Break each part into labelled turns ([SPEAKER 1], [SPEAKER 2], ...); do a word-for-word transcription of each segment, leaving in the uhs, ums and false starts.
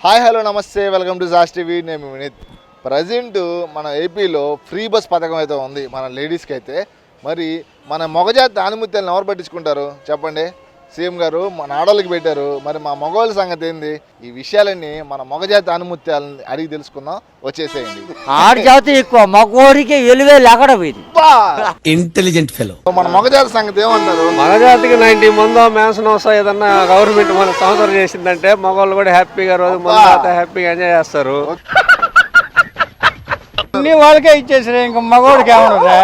[SPEAKER 1] Hi hello నమస్తే welcome to జాస్ TV. నేను వినీత్. ప్రజెంట్ మన ఏపీలో ఫ్రీ బస్ పథకం అయితే ఉంది మన లేడీస్కి అయితే. మరి మన మొగజాతి ఆనుమత్యాలను ఎవరు పట్టించుకుంటారు చెప్పండి? సీఎం గారు మన ఆడవాళ్ళకి పెట్టారు. మరి మా మగవాళ్ళ సంగతి ఏంది? ఈ విషయాలన్నీ మన మొగజాతి ఆనుమత్యాలని అడిగి తెలుసుకుందాం. వచ్చేసేయండి.
[SPEAKER 2] ఆడజాతి ఎక్కువ మగోడికి ఎలువే లేకడ పోయింది.
[SPEAKER 3] Intelligent fellow.
[SPEAKER 1] మన మొగజాతి సంగతి ఏమంటారు?
[SPEAKER 4] మగజాతికి నైన్టీ మందో మ్యాన్షన్ వస్తా ఏదన్నా గవర్నమెంట్ మన సంవత్సరం చేసిందంటే మగవాళ్ళు కూడా హ్యాపీగా రోజు ముందు హ్యాపీగా ఎంజాయ్ చేస్తారు. అన్ని వాళ్ళకే ఇచ్చేసారు, ఇంకా మగవాడికి ఏమన్నా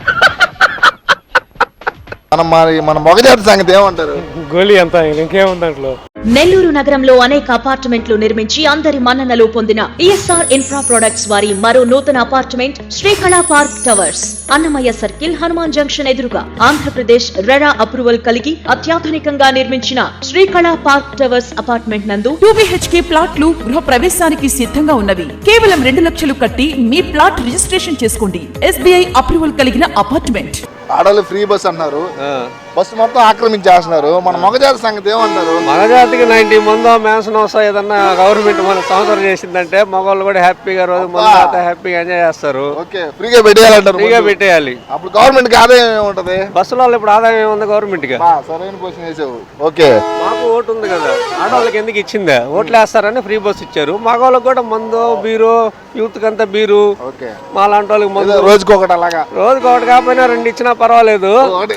[SPEAKER 1] మనం మరి మన మొగజాతి సంగతి ఏమంటారు?
[SPEAKER 4] గోలీ అంత ఇంకేముంది దాంట్లో.
[SPEAKER 5] నెల్లూరు నగరంలో అనేక అపార్ట్మెంట్లు నిర్మించి అందరి మన్ననలు పొందిన ఈఎస్ఆర్ ఇన్ఫ్రా ప్రొడక్ట్స్ వారి మరో నూతన apartment Srikala park towers, Annamayya circle, Hanuman junction ఎదురుగా ఆంధ్రప్రదేశ్ రెరా అప్రూవల్ కలిగి అత్యాధునికంగా నిర్మించిన శ్రీకళా పార్క్ టవర్స్ అపార్ట్మెంట్ నందు
[SPEAKER 6] టూ బిహెచ్కే ప్లాట్లు గృహ ప్రవేశానికి సిద్ధంగా ఉన్నవి. కేవలం రెండు లక్షలు కట్టి మీ ప్లాట్ రిజిస్ట్రేషన్ చేసుకోండి. ఎస్బీఐ అప్రూవల్ కలిగిన అపార్ట్మెంట్.
[SPEAKER 1] ఆడవాళ్ళు ఫ్రీ బస్ అన్నారు, బస్సు మొత్తం ఆక్రమించేస్తున్నారు. మన మొగజాతి సంగతి ఏమంటారు?
[SPEAKER 4] మగజాతికి నైన్టీ మందో మ్యాన్షన్ వస్తా ఏదన్నా గవర్నమెంట్ మన సంవత్సరం చేసిందంటే మగవాళ్ళు కూడా హ్యాపీగా రోజు ముందు హ్యాపీగా ఎంజాయ్ చేస్తారు.
[SPEAKER 1] ఓకే, ఫ్రీగా పెట్టేయాలంటారు.
[SPEAKER 4] ఫ్రీగా పెట్టేయాలి.
[SPEAKER 1] అప్పుడు గవర్నమెంట్ కి ఆదాయం ఏముంటది?
[SPEAKER 4] బస్సులో ఇప్పుడు ఆదాయం ఏముంది గవర్నమెంట్ కి?
[SPEAKER 1] సరైన క్వశ్చన్ వేసావు. ఓకే,
[SPEAKER 4] మాకు ఓటు ఉంది కదా, ఆడవాళ్ళకి ఎందుకు ఇచ్చిందా? ఓట్లు వేస్తారని ఫ్రీ బస్ ఇచ్చారు. మగవాళ్ళకి కూడా మందు బీరు, యూత్ కంతా బీరు, మా లాంటి వాళ్ళకి మందు
[SPEAKER 1] రోజుకి ఒకటి, అలాగా
[SPEAKER 4] రోజుకి ఒకటి కాకపోయినా రెండు ఇచ్చినా పర్వాలేదు.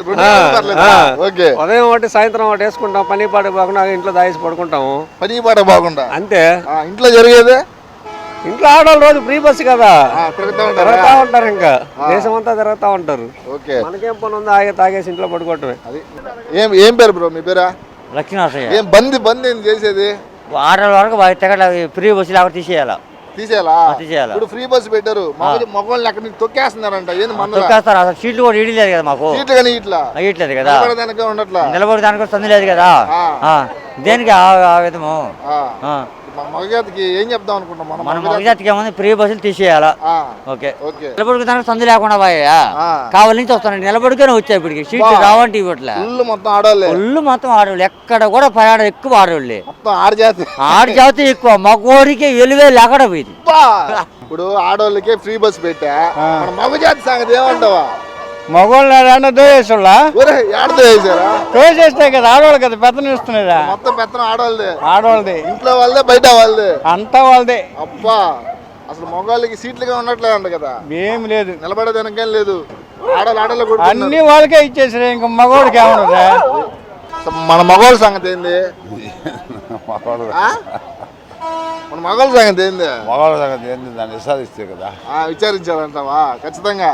[SPEAKER 4] ఉదయం ఒకటి సాయంత్రం ఒకటి వేసుకుంటాం. పని పాట బాగుండా ఇంట్లో దాయేసి పడుకుంటాము.
[SPEAKER 1] పని పాట బాగుండా అంతే. ఇంట్లో జరిగేదే
[SPEAKER 4] ఇంట్లో ఆడవాళ్ళు రోజు ఫ్రీ బస్ కదా తిరుగుతా ఉంటారు, ఇంకా దేశం అంతా తిరుగుతా ఉంటారు. మనకేం పని ఉందో ఆగే తాగేసి ఇంట్లో పడుకోవటమే.
[SPEAKER 1] ఏం ఏం పేరు బ్రో మీ పేరా?
[SPEAKER 2] లక్ష్మీనరసయ్య.
[SPEAKER 1] ఏం బంది బంది ఏం చేసేది?
[SPEAKER 2] ఆడవాళ్ళ వరకు తెగ ఫ్రీ బస్సు లేకపోతే తీసేయాలా
[SPEAKER 1] తీసేయాలా?
[SPEAKER 2] తీసేయాలి.
[SPEAKER 1] ఇప్పుడు ఫ్రీ బస్ పెట్టారు, మగవాళ్ళని అక్కడ నుంచి తొక్కేస్తున్నారంట. ఏంది మన
[SPEAKER 2] తొక్కేస్తారు? అసలు సీట్లు కూడా ఇడలేదు కదా మాకు.
[SPEAKER 1] సీట్లు కానీ ఇట్లా
[SPEAKER 2] ఇట్లేదు కదా,
[SPEAKER 1] ఉండట్లా.
[SPEAKER 2] నిలబడి దానికి సందు లేదు కదా. దేనికి ఆ విధము?
[SPEAKER 1] మగజాతికి ఏం చెప్దాం అనుకుంటాం మనం?
[SPEAKER 2] మన మగజాతికి ఏముంది? ఫ్రీ బస్సులు తీసేయాలా. Okay,
[SPEAKER 1] okay.
[SPEAKER 2] నిలబడికి దానికి సందు లేకుండా పోయా కావాలి నుంచి వస్తాను. నిలబడికనే వచ్చాయి ఇప్పటికి. సీట్లు రావంటే ఇవ్వట్లే.
[SPEAKER 1] ఫుల్ మొత్తం ఆడవాళ్ళే.
[SPEAKER 2] ఫుల్ మొత్తం ఆడవాళ్ళు. ఎక్కడ కూడా ప్రయాణం ఎక్కువ ఆడవాళ్ళే.
[SPEAKER 1] మొత్తం ఆడజాతి.
[SPEAKER 2] ఆడజాతి ఎక్కువ మగోడికి ఎలువే లేకడ పోయింది.
[SPEAKER 1] ఇప్పుడు ఆడవాళ్ళకే ఫ్రీ బస్ పెట్టా, మన మగజాతి సంగతి ఏమంటావా?
[SPEAKER 4] మగవాళ్ళు దోయేసోళ్ళా
[SPEAKER 1] వేసారా?
[SPEAKER 4] దోసేస్తే కదా ఆడవాళ్ళు కదా పెత్తనం ఇస్తున్నారా?
[SPEAKER 1] మొత్తం పెత్తనం ఆడవాళ్ళదే.
[SPEAKER 4] ఆడవాళ్ళది
[SPEAKER 1] ఇంట్లో వాళ్ళదే, బయట వాళ్ళదే,
[SPEAKER 4] అంతా వాళ్ళదే.
[SPEAKER 1] అబ్బా, అసలు మగవాళ్ళకి సీట్లుగా ఉండట్లేదంట కదా.
[SPEAKER 4] ఏం లేదు,
[SPEAKER 1] నిలబడేదానికేం లేదు. ఆడవాళ్ళు ఆడవాళ్ళు కూడా
[SPEAKER 4] అన్ని వాళ్ళకే ఇచ్చేసారు, ఇంకా మగవాడికి ఏమన్నా?
[SPEAKER 1] మన మగవాళ్ళ సంగతి ఏంది? మన మగవాళ్ళ సంగతి ఏంది?
[SPEAKER 7] మగవాళ్ళ సంగతి ఏంది? దాన్ని విచారిస్తే కదా.
[SPEAKER 1] విచారించాలంటావా? ఖచ్చితంగా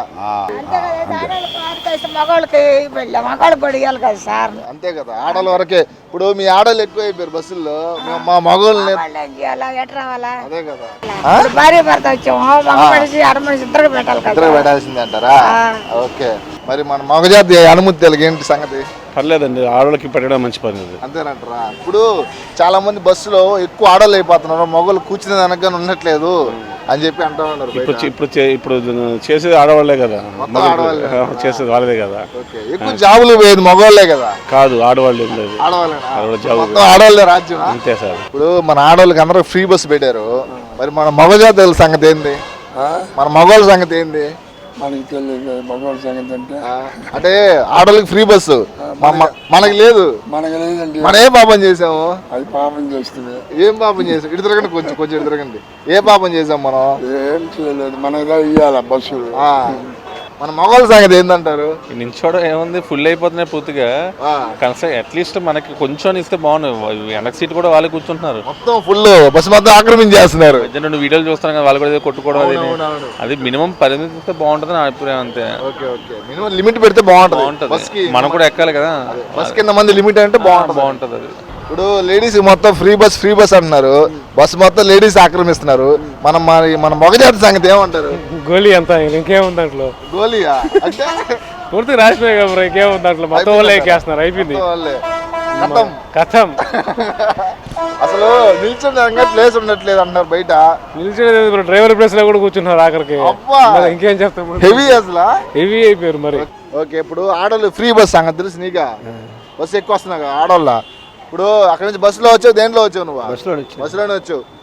[SPEAKER 8] మగవాళ్ళకి మగవాళ్ళకి కూడా ఇవ్వాలి కదా సార్.
[SPEAKER 1] అంతే కదా, ఆడవాళ్ళ వరకే. ఇప్పుడు మీ ఆడవాళ్ళు ఎక్కువ అయిపోయారు బస్సుల్లో, మా మగవాళ్ళని
[SPEAKER 8] ఎట్ రావాలా?
[SPEAKER 1] అదే కదా,
[SPEAKER 8] భార్య భర్త వచ్చాము, మగ మనిషి ఆడ మనిషి ఇద్దరు పెట్టాలి కదా.
[SPEAKER 1] ఇద్దరు పెట్టాల్సిందే అంటారా? ఓకే. మరి మన మగజాతి అనుమతి ఏంటి సంగతి?
[SPEAKER 9] పర్లేదండి, ఆడవాళ్ళకి పెట్టడం మంచి పని.
[SPEAKER 1] అంతేనంటారా? ఇప్పుడు చాలా మంది బస్సులో ఎక్కువ ఆడవాళ్ళు అయిపోతున్నారు, మగవాళ్ళు కూర్చునే దానిగా ఉండట్లేదు అని చెప్పి అంటూ ఉన్నారు.
[SPEAKER 9] ఇప్పుడు ఇప్పుడు ఇప్పుడు చేసేది ఆడవాళ్లే కదా, చేసేది వాళ్ళదే కదా.
[SPEAKER 1] ఎక్కువ జాబులు పోయేది మగవాళ్ళే కదా.
[SPEAKER 9] కాదు, ఆడవాళ్ళు
[SPEAKER 1] ఆడవాళ్ళే రాజ్యం.
[SPEAKER 9] అంతే సార్.
[SPEAKER 1] ఇప్పుడు మన ఆడవాళ్ళకి అందరూ ఫ్రీ బస్సు పెట్టారు. మరి మన మగజాతుల సంగతి ఏంది? మన మగవాళ్ళ సంగతి ఏంది?
[SPEAKER 7] మనకి తెలియదు మగవాళ్ళ సంగతి అంటే.
[SPEAKER 1] అంటే ఆడవాళ్ళకి ఫ్రీ బస్సు, మనకి లేదు.
[SPEAKER 7] మనకి లేదండి.
[SPEAKER 1] మనం ఏ పాపం చేసాము?
[SPEAKER 7] అది పాపం చేస్తుంది.
[SPEAKER 1] ఏం పాపం చేసాం? ఇటు తిరగండి, కొంచెం కొంచెం ఇటు తిరగండి. ఏ పాపం చేసాం మనం?
[SPEAKER 7] ఏం చేయలేదు, మనకి ఇవ్వాల బస్సులు.
[SPEAKER 1] మన మగవాళ్ళ సంగతి ఏంటంటారు?
[SPEAKER 9] నించోడం ఏముంది, ఫుల్ అయిపోతున్నాయి పూర్తిగా. కనీసం అట్లీస్ట్ మనకి కొంచెం ఇస్తే బాగుంది. వెనక సీట్ కూడా వాళ్ళు కూర్చుంటున్నారు,
[SPEAKER 1] మొత్తం ఫుల్ బస్సు మొత్తం ఆక్రమించేస్తున్నారు.
[SPEAKER 9] రెండు వీడియోలు చూస్తాను కదా, వాళ్ళు కూడా కొట్టుకోవడం. అది అది మినిమం పరిమితి ఇస్తే బాగుంటుంది నా అభిప్రాయం. అంతే.
[SPEAKER 1] మినిమం లిమిట్ పెడితే బాగుంటుంది.
[SPEAKER 9] మనం కూడా ఎక్కాలి కదా,
[SPEAKER 1] బస్ కింద మంది లిమిట్ అంటే బాగుంటుంది.
[SPEAKER 9] బాగుంటుంది అది.
[SPEAKER 1] ఇప్పుడు లేడీస్ మొత్తం ఫ్రీ బస్ ఫ్రీ బస్ అంటున్నారు, బస్సు మొత్తం లేడీస్ ఆక్రమిస్తున్నారు. మనం మన మగజాతి సంగతి ఏమంటారు?
[SPEAKER 4] గోలీ అంతా ఇంకేముంది దాంట్లో?
[SPEAKER 1] గోలియా అంటే
[SPEAKER 4] పూర్తిగా రాసిపోయి కదా, ఇంకేముంది దాంట్లో? మొత్తం వాళ్ళే ఎక్కేస్తున్నారు, అయిపోయింది కథం.
[SPEAKER 1] అసలు నిల్చుంటే ప్లేస్ ఉండట్లేదు అంటున్నారు బయట.
[SPEAKER 4] నిల్చుంటే డ్రైవర్ ప్లేస్ లో కూడా కూర్చున్నారు ఆఖరికి. ఇంకేం చెప్తాము,
[SPEAKER 1] హెవీ అసలు
[SPEAKER 4] హెవీ అయిపోయారు మరి.
[SPEAKER 1] ఓకే, ఇప్పుడు ఆడవాళ్ళు ఫ్రీ బస్ సంగతి తెలుసు నీకా? బస్సు ఎక్కువ వస్తున్నా ఆడవాళ్ళ. ఇప్పుడు అక్కడ నుంచి బస్సులో వచ్చావు, దేంట్లో వచ్చావు నువ్వు?
[SPEAKER 4] బస్సులోనే
[SPEAKER 1] బస్సులోనే వచ్చావు.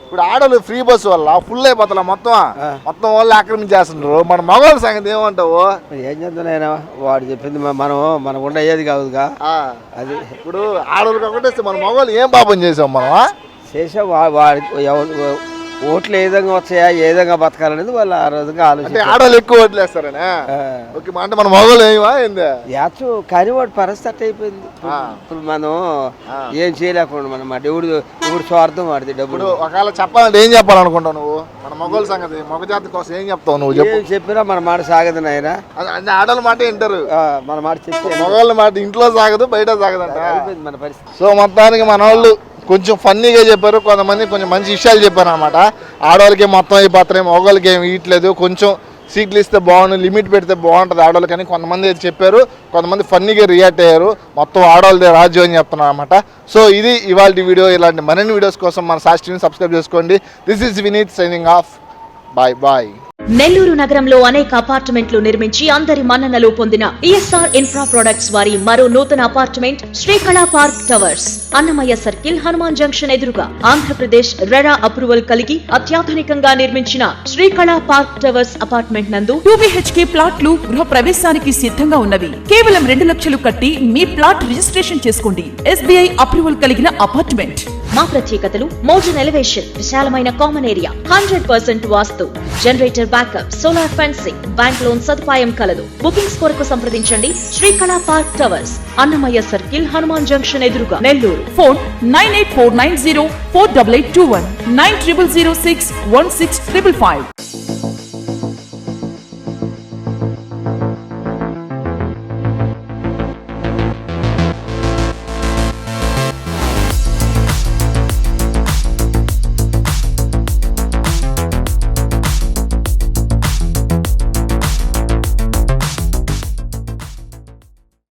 [SPEAKER 1] ఇప్పుడు ఆడోళ్ళు ఫ్రీ బస్ వల్ల ఫుల్ అయిపోతా మొత్తం మొత్తం వాళ్ళు ఆక్రమించేస్తున్నారు. మన మగవాళ్ళ సంగతి ఏమంటావు?
[SPEAKER 10] ఏం చేద్దాం, వాడు చెప్పింది మ- మనం మనకు ఉండ అయ్యేది కాదుగా.
[SPEAKER 1] ఆ,
[SPEAKER 10] అది
[SPEAKER 1] ఇప్పుడు ఆడోళ్ళు ఒకటే మన మగవాళ్ళు ఏం పాపం చేసాం మనం?
[SPEAKER 10] చేసే వా- వాడి ఎవరు ఓట్లు ఏ విధంగా వచ్చాయా, ఏ విధంగా బతకాలనేది వాళ్ళు ఆ విధంగా
[SPEAKER 1] అంటే
[SPEAKER 10] ఆలోచించారు.
[SPEAKER 1] ఆడోళ్ళు ఎక్కువ ఓట్లేస్తారనే. ఓకే, అంటే మన మగవాళ్ళు ఏమా ఏంది?
[SPEAKER 10] యాచు కానీ వాడి పరిస్థితి అట్ట అయిపోయింది. ఇప్పుడు- ఇప్పుడు మనం ఏం చేయలేకుండా మనం మా దేవుడు దేవుడు స్వార్థం వాడిది డబ్బులు.
[SPEAKER 1] ఇప్పుడు ఒకవేళ చెప్పాలంటే ఏం చెప్పాలనుకుంటావు నువ్వు? మన మగవాళ్ళ సంగతి మగ జాతి కోసం ఏం చెప్తావు నువ్వు? చెప్పు.
[SPEAKER 10] ఏం చెప్పినా మన మాట సాగదు నాయన.
[SPEAKER 1] అంటే ఆడోళ్ళ మాట వింటారు,
[SPEAKER 10] మన మాట చెప్తే
[SPEAKER 1] మగవాళ్ళ మాట ఇంట్లో సాగదు బయట సాగదంట.
[SPEAKER 10] అయిపోయింది మన పరిస్థితి.
[SPEAKER 1] సో మొత్తానికి మన వాళ్ళు కొంచెం ఫన్నీగా చెప్పారు, కొంతమంది కొంచెం మంచి విషయాలు చెప్పారు అనమాట. ఆడవాళ్ళకి మొత్తం అయిపోతున్నాయి, మగవాళ్ళకి ఏమి ఇవ్వట్లేదు, కొంచెం సీట్లు ఇస్తే బాగుంది, లిమిట్ పెడితే బాగుంటుంది ఆడవాళ్ళకి అని కొంతమంది అయితే చెప్పారు. కొంతమంది ఫన్నీగా రియాక్ట్ అయ్యారు. మొత్తం ఆడవాళ్ళదే రాజ్యం అని చెప్తున్నారు అనమాట. సో ఇది ఇవాళ వీడియో. ఇలాంటి మరిన్ని వీడియోస్ కోసం మన సాక్షి టీవీని సబ్స్క్రైబ్ చేసుకోండి. This is Vineet signing off. Bye bye.
[SPEAKER 5] Nellore నగరంలో అనేక అపార్ట్మెంట్లు నిర్మించి అందరి మన్ననలు పొందిన ఈఎస్ఆర్ ఇన్ఫ్రా ప్రొడక్ట్స్ వారి మరో నూతన apartment Srikala park towers, Annamayya circle, Hanuman junction ఎదురుగా, ఆంధ్రప్రదేశ్ రెరా అప్రూవల్ కలిగి అత్యాధునికంగా నిర్మించిన శ్రీకళా పార్క్ టవర్స్ అపార్ట్మెంట్ నందు
[SPEAKER 6] టూ బిహెచ్కే ప్లాట్లు గృహ ప్రవేశానికి సిద్ధంగా ఉన్నవి. కేవలం రెండు లక్షలు కట్టి మీ ప్లాట్ రిజిస్ట్రేషన్ చేసుకోండి. ఎస్బీఐ అప్రూవల్ కలిగిన అపార్ట్మెంట్.
[SPEAKER 5] మా ప్రత్యేకతలు మోడర్న్ ఎలివేషన్, విశాలమైన కామన్ ఏరియా, హండ్రెడ్ పర్సెంట్ వాస్తు, generator backup, solar fencing, bank loan సదుపాయం కలదు. బుకింగ్స్ కొరకు సంప్రదించండి. Srikala park towers, Annamayya circle, Hanuman junction ఎదురుగా, Nellore.
[SPEAKER 6] Phone nine eight four nine zero four double eight two one, nine triple zero six one six triple five.